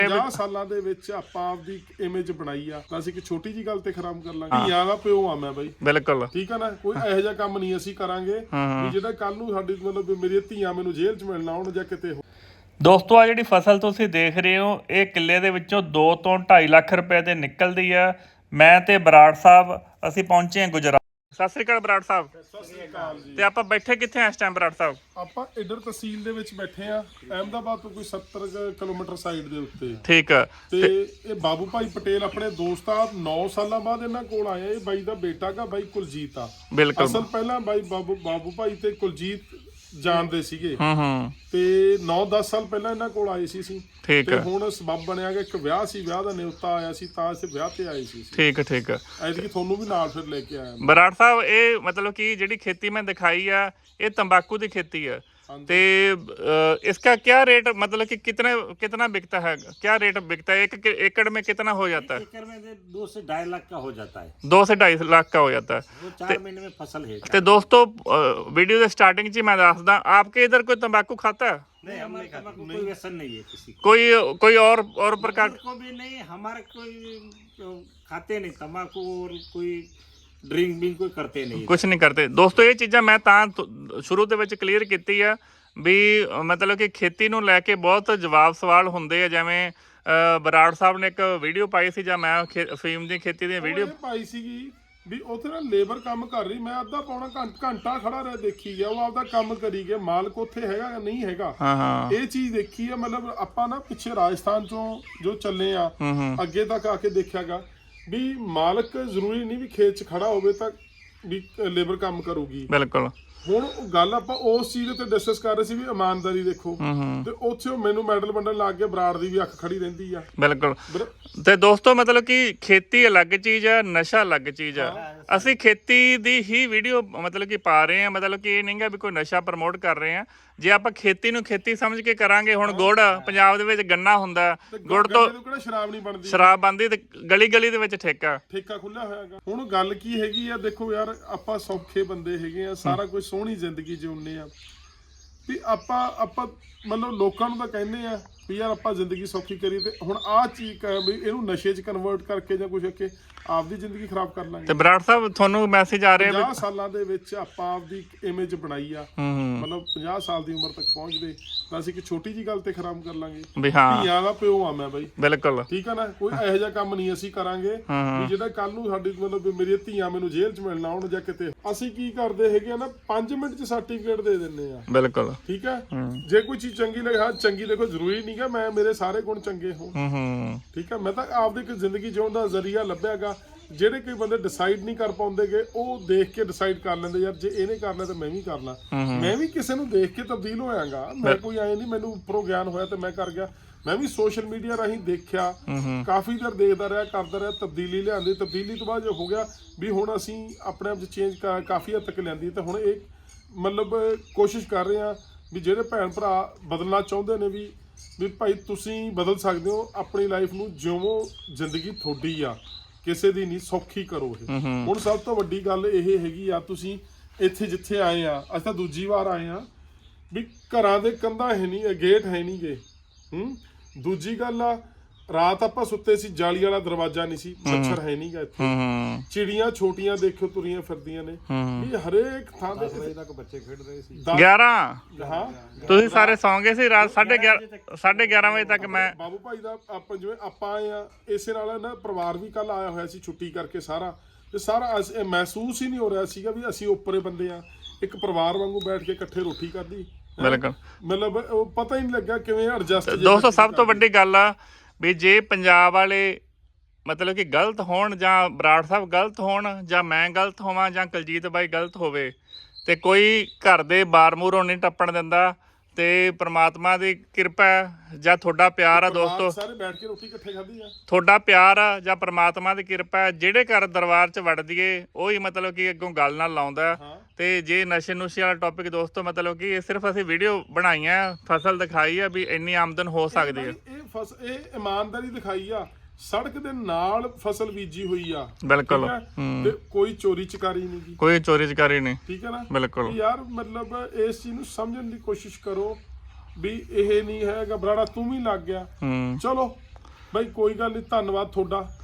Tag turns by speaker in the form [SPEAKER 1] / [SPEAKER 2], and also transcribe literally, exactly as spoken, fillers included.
[SPEAKER 1] ਪੰਜਾਹ ਸਾਲਾਂ ਦੇ ਵਿੱਚ ਆਪਾਂ ਆਪਦੀ ਇਮੇਜ ਬਣਾਈ ਆ ਤਾਂ ਅਸੀਂ ਇੱਕ ਛੋਟੀ ਜੀ ਗੱਲ ਤੇ ਖਰਾਬ ਕਰ ਲਾਂਗੇ। ਧੀਆਂ ਦਾ ਪਿਓ ਆ ਮੈਂ ਬਾਈ,
[SPEAKER 2] ਬਿਲਕੁਲ
[SPEAKER 1] ਠੀਕ ਆ ਨਾ। ਕੋਈ ਇਹੋ ਜਿਹਾ ਕੰਮ ਨਹੀਂ ਅਸੀਂ ਕਰਾਂਗੇ ਵੀ ਜਿਹੜਾ ਕੱਲ ਨੂੰ ਸਾਡੀ ਮਤਲਬ ਮੇਰੀਆਂ ਧੀਆਂ ਮੈਨੂੰ ਜੇਲ੍ਹ 'ਚ ਮਿਲਣਾ ਆਉਣ ਜਾਂ ਕਿਤੇ।
[SPEAKER 2] ਦੋਸਤੋ ਆ ਜਿਹੜੀ ਫਸਲ ਤੁਸੀਂ ਦੇਖ ਰਹੇ ਹੋ ਇਹ ਕਿੱਲੇ ਦੇ ਵਿੱਚੋਂ ਦੋ ਤੋਂ ਢਾਈ ਲੱਖ ਰੁਪਏ ਦੇ ਨਿਕਲਦੀ ਆ। ਮੈਂ ਤੇ ਬਰਾੜ ਸਾਹਿਬ ਅਸੀਂ ਪਹੁੰਚੇ ਹਾਂ ਗੁਜਰਾਤ। ਸਤਿ ਸ੍ਰੀ ਅਕਾਲ ਬਰਾੜ ਸਾਹਿਬ।
[SPEAKER 1] ਸਤਿ ਸ੍ਰੀ ਅਕਾਲ ਜੀ।
[SPEAKER 2] ਤੇ ਆਪਾਂ ਬੈਠੇ ਕਿੱਥੇ ਆ ਇਸ ਟਾਈਮ ਬਰਾੜ ਸਾਹਿਬ?
[SPEAKER 1] ਆਪਾਂ ਇੱਧਰ ਤਹਿਸੀਲ ਦੇ ਵਿੱਚ ਬੈਠੇ ਆ, ਅਹਿਮਦਾਬਾਦ ਤੋਂ ਕੋਈ ਸੱਤਰ ਕਿਲੋਮੀਟਰ ਸਾਈਡ ਦੇ ਉੱਤੇ।
[SPEAKER 2] ਠੀਕ ਆ।
[SPEAKER 1] ਤੇ ਇਹ ਬਾਬੂ ਭਾਈ ਪਟੇਲ ਆਪਣੇ ਦੋਸਤ ਆ, ਨੌ ਸਾਲਾਂ ਬਾਅਦ ਇਹਨਾਂ ਕੋਲ ਆਇਆ। ਇਹ ਬਾਈ ਦਾ ਬੇਟਾ ਕਾ ਬਾਈ ਕੁਲਜੀਤ ਆ।
[SPEAKER 2] ਬਿਲਕੁਲ।
[SPEAKER 1] ਅਸਲ ਪਹਿਲਾਂ ਬਾਈ ਬਾਬੂ ਬਾਬੂ ਭਾਈ ਤੇ ਕੁਲਜੀਤ ਜਾਣਦੇ ਸੀਗੇ
[SPEAKER 2] ਹੂੰ ਹੂੰ
[SPEAKER 1] ਤੇ ਨੌ ਦਸ ਸਾਲ ਪਹਿਲਾਂ ਇਹਨਾਂ ਕੋਲ ਆਏ ਸੀ ਅਸੀਂ।
[SPEAKER 2] ਠੀਕ
[SPEAKER 1] ਤੇ
[SPEAKER 2] ਆ।
[SPEAKER 1] ਹੁਣ ਸਬੱਬ ਬਣਿਆ ਕਿ ਇੱਕ ਵਿਆਹ ਸੀ, ਵਿਆਹ ਦਾ ਨਿਉਤਾ ਆਇਆ ਸੀ ਤਾਂ ਅਸੀਂ ਵਿਆਹ ਤੇ ਆਏ ਸੀ।
[SPEAKER 2] ਠੀਕ ਆ ਠੀਕ ਆ।
[SPEAKER 1] ਐਤਕੀ ਤੁਹਾਨੂੰ ਵੀ ਨਾਲ ਫਿਰ ਲੈ ਕੇ ਆਇਆ।
[SPEAKER 2] ਬਰਾੜ ਸਾਹਿਬ ਇਹ ਮਤਲਬ ਕਿ ਜਿਹੜੀ खेती ਮੈਂ ਦਿਖਾਈ ਆ ਇਹ तंबाकू ਦੀ खेती है। ते इसका क्या रेट मतलब कि कितने कितना बिकता है, क्या रेट बिकता है? एक एकड़ में कितना हो जाता है?
[SPEAKER 3] एकड़ में दो से ढाई लाख का हो जाता है।
[SPEAKER 2] दो से ढाई लाख का हो जाता है।
[SPEAKER 3] वो चार महीने में फसल है।
[SPEAKER 2] तो दोस्तों वीडियो के स्टार्टिंग च मैं दसदा, आपके इधर कोई तंबाकू खाता है?
[SPEAKER 3] नहीं, हमारे तंबाकू कोई व्यसन नहीं है किसी को।
[SPEAKER 2] कोई कोई और और प्रकार
[SPEAKER 3] को भी नहीं, हमारे कोई खाते नहीं तंबाकू और कोई ਡਰਿੰਕ ਵੀ ਕੋਈ ਕਰਦੇ ਨਹੀਂ,
[SPEAKER 2] ਕੁਝ ਨਹੀਂ ਕਰਦੇ। ਦੋਸਤੋ ਇਹ ਚੀਜ਼ਾਂ ਮੈਂ ਤਾਂ ਸ਼ੁਰੂ ਦੇ ਵਿੱਚ ਕਲੀਅਰ ਕੀਤੀ ਆ ਵੀ ਮਤਲਬ ਕਿ ਖੇਤੀ ਨੂੰ ਲੈ ਕੇ ਬਹੁਤ ਜਵਾਬ ਸਵਾਲ ਹੁੰਦੇ ਆ। ਜਿਵੇਂ ਬਰਾੜ ਸਾਹਿਬ ਨੇ ਇੱਕ ਵੀਡੀਓ ਪਾਈ ਸੀ ਜਾਂ ਮੈਂ ਫੀਮ ਦੀ ਖੇਤੀ ਦੀ ਵੀਡੀਓ
[SPEAKER 1] ਪਾਈ ਸੀਗੀ ਵੀ ਉੱਥੇ ਨਾ ਲੇਬਰ ਕੰਮ ਕਰ ਰਹੀ, ਮੈਂ ਅੱਧਾ ਪੌਣਾ ਘੰਟਾ ਖੜਾ ਰਿਹਾ ਦੇਖੀ ਗਿਆ। ਉਹ ਆਪਦਾ ਕੰਮ ਕਰੀ ਗਿਆ, ਮਾਲਕ ਉੱਥੇ ਹੈਗਾ ਜਾਂ ਨਹੀਂ ਹੈਗਾ।
[SPEAKER 2] ਹਾਂ ਹਾਂ
[SPEAKER 1] ਇਹ ਚੀਜ਼ ਦੇਖੀ ਆ। ਮਤਲਬ ਆਪਾਂ ਨਾ ਪਿੱਛੇ ਰਾਜਸਥਾਨ ਚੋਂ ਜੋ ਚੱਲੇ ਆ ਅੱਗੇ ਤੱਕ ਆ ਕੇ ਦੇਖਿਆਗਾ ਵੀ ਮਾਲਕ ਜ਼ਰੂਰੀ ਨਹੀਂ ਵੀ ਖੇਤ 'ਚ ਖੜਾ ਹੋਵੇ ਤਾਂ ਵੀ ਲੇਬਰ ਕੰਮ ਕਰੂਗੀ।
[SPEAKER 2] ਬਿਲਕੁਲ।
[SPEAKER 1] ਹੁਣ ਗੱਲ ਆਪਾਂ ਉਸ ਚੀਜ਼ ਤੇ ਡਿਸਕਸ ਕਰ ਰਹੇ ਸੀ ਵੀ ਇਮਾਨਦਾਰੀ ਦੇਖੋ, ਤੇ ਉੱਥੇ ਮੈਨੂੰ ਮੈਡਲ ਵੰਡਣ ਲੱਗ ਗਿਆ। ਬਰਾੜ ਦੀ ਵੀ ਅੱਖ ਖੜੀ ਰਹਿੰਦੀ ਆ।
[SPEAKER 2] ਬਿਲਕੁਲ। ਤੇ ਦੋਸਤੋ ਮਤਲਬ ਕਿ ਖੇਤੀ ਅਲੱਗ ਚੀਜ਼ ਆ, ਨਸ਼ਾ ਅਲੱਗ ਚੀਜ਼ ਆ। ਅਸੀਂ ਖੇਤੀ ਦੀ ਹੀ ਵੀਡੀਓ ਮਤਲਬ ਕਿ ਪਾ ਰਹੇ ਆ, ਮਤਲਬ ਕਿ ਇਹ ਨਹੀਂਗਾ ਵੀ ਕੋਈ ਨਸ਼ਾ ਪ੍ਰਮੋਟ ਕਰ ਰਹੇ ਆ। ਜੇ ਆਪਾਂ ਖੇਤੀ ਨੂੰ ਖੇਤੀ ਸਮਝ ਕੇ ਕਰਾਂਗੇ, ਹੁਣ ਗੁੜ ਪੰਜਾਬ ਦੇ ਵਿੱਚ ਗੰਨਾ ਹੁੰਦਾ, ਗੁੜ ਤੋਂ
[SPEAKER 1] ਸ਼ਰਾਬ ਨਹੀਂ ਬਣਦੀ,
[SPEAKER 2] ਸ਼ਰਾਬ ਬਣਦੀ ਤੇ ਗਲੀ ਗਲੀ ਦੇ ਵਿੱਚ ਠੇਕਾ
[SPEAKER 1] ਠੇਕਾ ਖੁੱਲਿਆ ਹੋਇਆ ਹੈਗਾ। ਹੁਣ ਗੱਲ ਕੀ ਹੈਗੀ ਆ, ਦੇਖੋ ਯਾਰ ਆਪਾਂ ਸੌਖੇ ਬੰਦੇ ਹੈਗੇ ਆ, ਸਾਰਾ ਕੁਝ ਸੋਹਣੀ ਜ਼ਿੰਦਗੀ ਜਿਉਂਦੇ ਆ ਵੀ ਆਪਾਂ ਆਪਾਂ ਮਤਲਬ ਲੋਕਾਂ ਨੂੰ ਤਾਂ ਕਹਿੰਦੇ ਆ ਵੀ ਯਾਰ ਆਪਾਂ ਜ਼ਿੰਦਗੀ ਸੌਖੀ ਕਰੀਏ, ਤੇ ਹੁਣ ਆਹ ਚੀਜ਼ ਵੀ ਇਹਨੂੰ ਨਸ਼ੇ 'ਚ ਕਨਵਰਟ ਕਰਕੇ ਜਾਂ ਕੁਝ ਅੱਗੇ ਆਪਦੀ ਜ਼ਿੰਦਗੀ ਖਰਾਬ ਕਰ ਲਾਂਗੇ।
[SPEAKER 2] ਤੇ ਬਰਾੜ ਸਾਹਿਬ ਤੁਹਾਨੂੰ ਮੈਸੇਜ ਆ ਰਿਹਾ
[SPEAKER 1] ਪੰਜਾਹ ਸਾਲਾਂ ਦੇ ਵਿੱਚ ਆਪਾਂ ਆਪਦੀ ਇਮੇਜ ਬਣਾਈ ਆ, ਮਤਲਬ ਪੰਜਾਹ ਸਾਲ ਦੀ ਉਮਰ ਤੱਕ ਪਹੁੰਚਦੇ ਤਾਂ ਅਸੀਂ ਇੱਕ ਛੋਟੀ ਜੀ ਗੱਲ ਤੇ ਖਰਾਬ ਕਰ ਲਾਂਗੇ ਵੀ ਹਾਂ ਧੀਆਂ ਦਾ ਪਿਓ ਆ ਮੈਂ ਬਾਈ।
[SPEAKER 2] ਬਿਲਕੁਲ।
[SPEAKER 1] ਠੀਕ ਆ ਨਾ। ਕੋਈ ਇਹੋ ਜਿਹਾ ਕੰਮ ਨਹੀਂ ਅਸੀਂ ਕਰਾਂਗੇ ਵੀ ਜਿਹੜਾ ਕੱਲ ਨੂੰ ਸਾਡੀ ਮਤਲਬ ਮੇਰੀਆਂ ਧੀਆਂ ਮੈਨੂੰ ਜੇਲ੍ਹ 'ਚ ਮਿਲਣਾ ਆਉਣ ਜਾਂ ਕਿਤੇ। ਅਸੀਂ ਕੀ ਕਰਦੇ ਹੈਗੇ ਆ ਨਾ, ਪੰਜ ਮਿੰਟ 'ਚ ਸਰਟੀਫਿਕੇਟ ਦੇ ਦਿੰਦੇ ਆ।
[SPEAKER 2] ਬਿਲਕੁਲ।
[SPEAKER 1] ਠੀਕ ਹੈ। ਜੇ ਕੋਈ ਚੀਜ਼ ਚੰਗੀ ਲੱਗੇ, ਹਾਂ ਚੰਗੀ ਦੇਖੋ ਜ਼ਰੂਰੀ ਨਹੀਂਗਾ ਮੈਂ ਮੇਰੇ ਸਾਰੇ ਗੁਣ ਚੰਗੇ ਹੋਣ। ਠੀਕ ਹੈ। ਮੈਂ ਤਾਂ ਆਪਦੀ ਇੱਕ ਜ਼ਿੰਦਗੀ ਜਿਉਣ ਦਾ ਜ਼ਰੀਆ ਲੱਭਿਆਗਾ। ਜਿਹੜੇ ਕੋਈ ਬੰਦੇ ਡਿਸਾਈਡ ਨਹੀਂ ਕਰ ਪਾਉਂਦੇਗੇ ਉਹ ਦੇਖ ਕੇ ਡਿਸਾਈਡ ਕਰ ਲੈਂਦੇ ਯਾਰ ਜੇ ਇਹਨੇ ਕਰ ਲਿਆ ਤਾਂ ਮੈਂ ਵੀ ਕਰ ਲਾਂ। ਮੈਂ ਵੀ ਕਿਸੇ ਨੂੰ ਦੇਖ ਕੇ ਤਬਦੀਲ ਹੋਇਆਗਾ। ਮੈਂ ਕੋਈ ਆਏ ਨਹੀਂ ਮੈਨੂੰ ਉੱਪਰੋਂ ਗਿਆਨ ਹੋਇਆ ਤੇ ਮੈਂ ਕਰ ਗਿਆ। ਮੈਂ ਵੀ ਸੋਸ਼ਲ ਮੀਡੀਆ ਰਾਹੀਂ ਦੇਖਿਆ, ਕਾਫੀ ਦੇਰ ਦੇਖਦਾ ਰਿਹਾ, ਕਰਦਾ ਰਿਹਾ, ਤਬਦੀਲੀ ਲਿਆਂਦੀ। ਤਬਦੀਲੀ ਤੋਂ ਬਾਅਦ ਜੋ ਹੋ ਗਿਆ ਵੀ ਹੁਣ ਅਸੀਂ ਆਪਣੇ ਆਪ 'ਚ ਚੇਂਜ ਕਾਫੀ ਹੱਦ ਤੱਕ ਲਿਆਂਦੀ। ਤੇ ਹੁਣ ਇਹ ਮਤਲਬ ਕੋਸ਼ਿਸ਼ ਕਰ ਰਹੇ ਹਾਂ ਵੀ ਜਿਹੜੇ ਭੈਣ ਭਰਾ ਬਦਲਣਾ ਚਾਹੁੰਦੇ ਨੇ ਵੀ ਵੀ ਭਾਈ ਤੁਸੀਂ ਬਦਲ ਸਕਦੇ ਹੋ। ਆਪਣੀ ਲਾਈਫ ਨੂੰ ਜਿਉਵੋ, ਜ਼ਿੰਦਗੀ ਤੁਹਾਡੀ ਆ, ਕਿਸੇ ਦੀ ਨਹੀਂ, ਸੌਖੀ ਕਰੋ ਇਹ। ਹੁਣ ਸਭ ਤੋਂ ਵੱਡੀ ਗੱਲ ਇਹ ਹੈਗੀ ਆ, ਤੁਸੀਂ ਇੱਥੇ ਜਿੱਥੇ ਆਏ ਆ, ਅਸੀਂ ਤਾਂ ਦੂਜੀ ਵਾਰ ਆਏ ਆ ਵੀ ਘਰਾਂ ਦੇ ਕੰਧਾਂ ਹੈ ਨਹੀਂ, ਗੇਟ ਹੈ ਨਹੀਂ ਗੇ। ਹੂੰ। ਦੂਜੀ ਗੱਲ ਆ, ਰਾਤ ਆਪਾਂ ਸੁੱਤੇ ਸੀ, ਜਾਲੀ ਵਾਲਾ ਦਰਵਾਜ਼ਾ ਨਹੀਂ ਸੀ, ਮੱਛਰ ਹੈ ਨਹੀਂ ਗਾ ਇੱਥੇ। ਚਿੜੀਆਂ ਛੋਟੀਆਂ ਦੇਖੋ ਤੁਰੀਆਂ ਫਿਰਦੀਆਂ ਨੇ ਵੀ ਹਰੇਕ ਥਾਂ ਤੇ ਤੱਕ ਬੱਚੇ ਖੇਡ ਰਹੇ ਸੀ।
[SPEAKER 2] ਗਿਆਰਾਂ
[SPEAKER 1] ਹਾਂ
[SPEAKER 2] ਤੁਸੀਂ ਸਾਰੇ ਸੌਂ ਗਏ ਸੀ ਰਾਤ ਸਾਢੇ ਗਿਆਰਾਂ ਸਾਢੇ ਗਿਆਰਾਂ ਵਜੇ ਤੱਕ। ਮੈਂ
[SPEAKER 1] ਬਾਬੂ ਭਾਈ ਦਾ ਆਪਾਂ ਜਿਵੇਂ ਆਪਾਂ ਆਏ ਆ, ਇਸੇ ਨਾਲ ਨਾ ਪਰਿਵਾਰ ਵੀ ਕੱਲ ਆਇਆ ਹੋਇਆ ਸੀ ਛੁੱਟੀ ਕਰਕੇ ਸਾਰਾ, ਤੇ ਸਾਰਾ ਮਹਿਸੂਸ ਹੀ ਨਹੀਂ ਹੋ ਰਿਹਾ ਸੀਗਾ ਵੀ ਅਸੀਂ ਉੱਪਰੇ ਬੰਦੇ ਆ। ਇੱਕ ਪਰਿਵਾਰ ਵਾਂਗੂ ਬੈਠ ਕੇ ਇਕੱਠੇ ਰੋਟੀ ਖਾਧੀ।
[SPEAKER 2] ਬਿਲਕੁਲ।
[SPEAKER 1] ਮਤਲਬ ਉਹ ਪਤਾ ਹੀ ਨਹੀਂ ਲੱਗਾ ਕਿਵੇਂ ਐਡਜਸਟ।
[SPEAKER 2] ਦੋਸਤੋ ਸਭ ਤੋਂ ਵੱਡੀ ਗੱਲ ਆ ਵੀ ਜੇ ਪੰਜਾਬ ਵਾਲੇ ਮਤਲਬ ਕਿ ਗਲਤ ਹੋਣ, ਜਾਂ ਬਰਾੜ ਸਾਹਿਬ ਗਲਤ ਹੋਣ, ਜਾਂ ਮੈਂ ਗਲਤ ਹੋਵਾਂ, ਜਾਂ ਕੁਲਜੀਤ ਬਾਈ ਗਲਤ ਹੋਵੇ, ਤੇ ਕੋਈ ਘਰ ਦੇ ਬਾਰ ਮੂਹਰੋਂ ਨਹੀਂ ਟੱਪਣ ਦਿੰਦਾ। ਤੇ ਪ੍ਰਮਾਤਮਾ ਦੀ ਕਿਰਪਾ ਜਾਂ ਤੁਹਾਡਾ ਪਿਆਰ ਆ ਦੋਸਤੋ,
[SPEAKER 1] ਸਾਰੇ ਬੈਠ ਕੇ ਰੋਟੀ ਇਕੱਠੇ ਖਾਧੀ ਆ।
[SPEAKER 2] ਤੁਹਾਡਾ ਪਿਆਰ ਆ ਜਾਂ ਪ੍ਰਮਾਤਮਾ ਦੀ ਕਿਰਪਾ, ਜਿਹੜੇ ਘਰ ਦਰਬਾਰ 'ਚ ਵੜ ਦਈਏ ਉਹੀ ਮਤਲਬ ਕਿ ਅੱਗੋਂ ਗੱਲ ਨਾਲ ਲਾਉਂਦਾ। ਤੇ ਜੇ ਨਸ਼ੇ ਨੁਸ਼ੇ ਵਾਲਾ ਟੌਪਿਕ ਦੋਸਤੋ ਮਤਲਬ ਕਿ ਇਹ ਸਿਰਫ ਅਸੀਂ ਵੀਡੀਓ ਬਣਾਈਆਂ, ਫਸਲ ਦਿਖਾਈ ਆ ਵੀ ਇੰਨੀ ਆਮਦਨ ਹੋ ਸਕਦੀ ਹੈ।
[SPEAKER 1] ਇਹ ਫਸ ਇਹ ਇਮਾਨਦਾਰੀ ਦਿਖਾਈ ਆ। ਸੜਕ ਦੇ ਨਾਲ ਫਸਲ ਬੀਜੀ ਹੋਈ ਆ।
[SPEAKER 2] ਬਿਲਕੁਲ।
[SPEAKER 1] ਤੇ ਕੋਈ ਚੋਰੀ ਚਕਾਰੀ ਨਹੀਂ ਗੀ,
[SPEAKER 2] ਕੋਈ ਚੋਰੀ ਚਕਾਰੀ ਨਹੀਂ।
[SPEAKER 1] ਠੀਕ ਹੈ ਨਾ।
[SPEAKER 2] ਬਿਲਕੁਲ
[SPEAKER 1] ਯਾਰ ਮਤਲਬ ਇਸ ਚੀਜ਼ ਨੂੰ ਸਮਝਣ ਦੀ ਕੋਸ਼ਿਸ਼ ਕਰੋ ਵੀ ਇਹ ਨਹੀਂ ਹੈਗਾ ਬਰਾੜਾ ਤੂੰ ਵੀ ਲੱਗ ਗਿਆ, ਚਲੋ ਬਾਈ ਕੋਈ ਗੱਲ ਨਹੀਂ, ਧੰਨਵਾਦ ਤੁਹਾਡਾ।